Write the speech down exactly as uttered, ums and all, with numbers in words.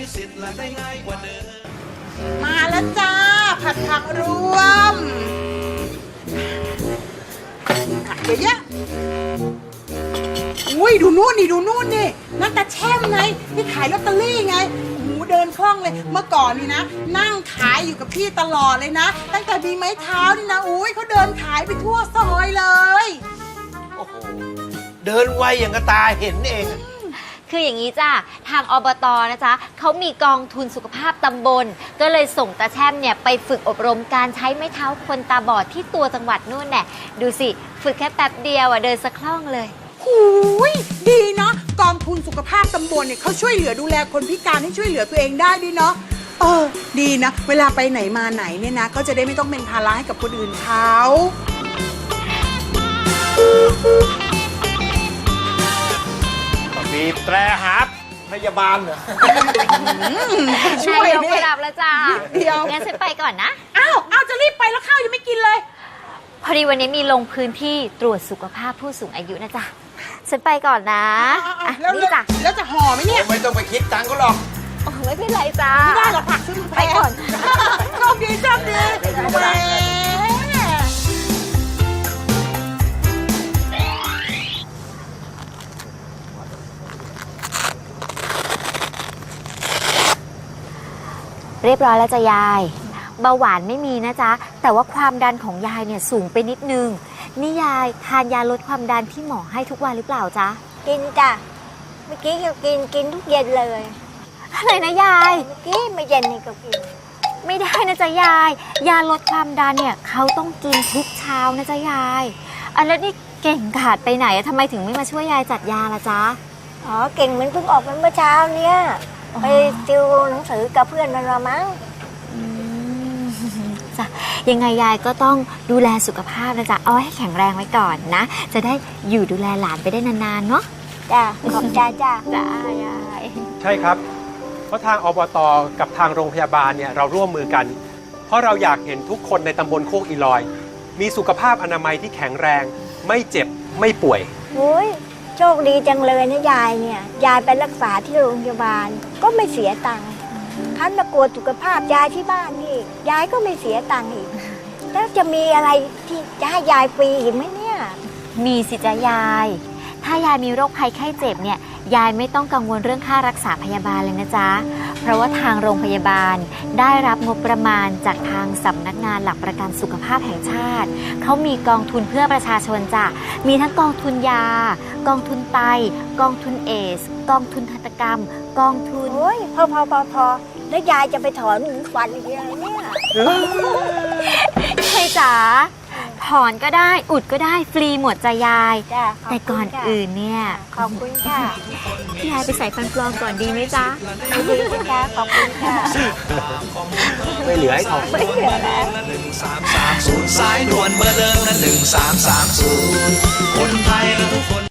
สิทธิ์และได้ง่ายกว่าเดิมมาแล้วจ้าผัดผักรวมเดี๋ยวเยอะอุ้ยดูนู่นนี่ดูนู่นนี่นั่นตาแช่มไงที่ขายลอตเตอรี่ไงโอ้โหเดินคล่องเลยเมื่อก่อนนี่นะนั่งขายอยู่กับพี่ตลอดเลยนะตั้งแต่มีไม้เท้านี่นะอุ้ยเขาเดินขายไปทั่วซอยเลยโอ้โหเดินไวอย่างกระตาเห็นเองคืออย่างนี้จ้าทางอบตนะจ๊ะเขามีกองทุนสุขภาพตำบลก็เลยส่งตาแช่มเนี่ยไปฝึกอบรมการใช้ไม้เท้าคนตาบอดที่ตัวจังหวัดนู่นแน่ดูสิฝึกแค่แป๊บเดียวอ่ะเดินสะคล่องเลยหูยดีเนาะกองทุนสุขภาพตำบลเนี่ยเขาช่วยเหลือดูแลคนพิการให้ช่วยเหลือตัวเองได้ด้วยเนาะเออดีนะเวลาไปไหนมาไหนเนี่ยนะก็จะได้ไม่ต้องเป็นภาระให้กับคนอื่นเขาบีบแตรหาพยาบาลเหรอช่วยเนี่ยไปรับแล้วจ้าเดียวงั้นฉันไปก่อนนะอ้าวอ้าวจะรีบไปแล้วข้าวยังไม่กินเลยพอดีวันนี้มีลงพื้นที่ตรวจสุขภาพผู้สูงอายุนะจ๊ะฉันไปก่อนนะอ่ะนี่จ้ะแล้วจะห่อไหมเนี่ยไม่ต้องไปคิดตังค์ก็หรอกโอ้ไม่เป็นไรจ้าไม่ได้หรอกผักซื้อไปก่อนโชคดีโชคดีแหมเรียบร้อยแล้วจ้ะยายเบาหวานไม่มีนะจ๊ะแต่ว่าความดันของยายเนี่ยสูงไปนิดนึงนี่ยายทานยาลดความดันที่หมอให้ทุกวันหรือเปล่าจ๊ะกินจ้ะเมื่อกี้ก็กินกินทุกเย็นเลยอะไรนะยายเมื่อกี้ไม่เย็นนี่ก็กินไม่ได้นะจ๊ะยายยาลดความดันเนี่ยเขาต้องกินทุกเช้านะจ๊ะยายอันแล้วนี่เก่งขาดไปไหนทำไมถึงไม่มาช่วยยายจัดยาล่ะจ๊ะอ๋อเก่งมันเพิ่งออกมาเมื่อเช้าเนี่ยไปติวหนังสือกับเพื่อนมันมามั้งจ้ะยังไงยายก็ต้องดูแลสุขภาพนะจ๊ะเอาให้แข็งแรงไว้ก่อนนะจะได้อยู่ดูแลหลานไปได้นานๆเนาะจ้ะขอบใจจ้ะจ้ายายใช่ครับเพราะทางอบต.กับทางโรงพยาบาลเนี่ยเราร่วมมือกันเพราะเราอยากเห็นทุกคนในตำบลโคกอีลอยมีสุขภาพอนามัยที่แข็งแรงไม่เจ็บไม่ป่วยโอ้ยโชคดีจังเลยนะยายเนี่ยยายไปรักษาที่โรงพยาบาลก็ไม่เสียตังค์คันมากวดสุขภาพยายที่บ้านนี่ยายก็ไม่เสียตังค์อีกแล้วจะมีอะไรที่จะให้ยายฟรีอีกไหมเนี่ยมีสิจ๊ะยายถ้ายายมีโรคภัยไข้เจ็บเนี่ยยายไม่ต้องกังวลเรื่องค่ารักษาพยาบาลเลยนะจ๊ะเพราะว่าทางโรงพยาบาลได้รับงบประมาณจากทางสำนักงานหลักประกันสุขภาพแห่งชาติเขามีกองทุนเพื่อประชาชนจ้ะมีทั้งกองทุนยากองทุนไตกองทุนเอสกองทุนทันตกรรมกองทุนโอ้ยพอพอพอพอแล้วยายจะไปถอนหนึ่งฟันอีกอะไรเนี่ยใช่จ๋าถอนก็ได้อุดก็ได้ฟรีหมดจ้ะยายแต่ก่อนอื่นเนี่ยขอบคุณค่ะพี่ยายไปใส่ฟันปลอมก่อนดีไหมจ๊ะดีค่ะขอบคุณค่ะไม่เหลือให้ถอนไม่เหลือแล้วหนึ่งสามสามศูนย์สายด่วนเบอร์เดิมนะหนึ่งสามสามศูนย์คนไทยและทุกคน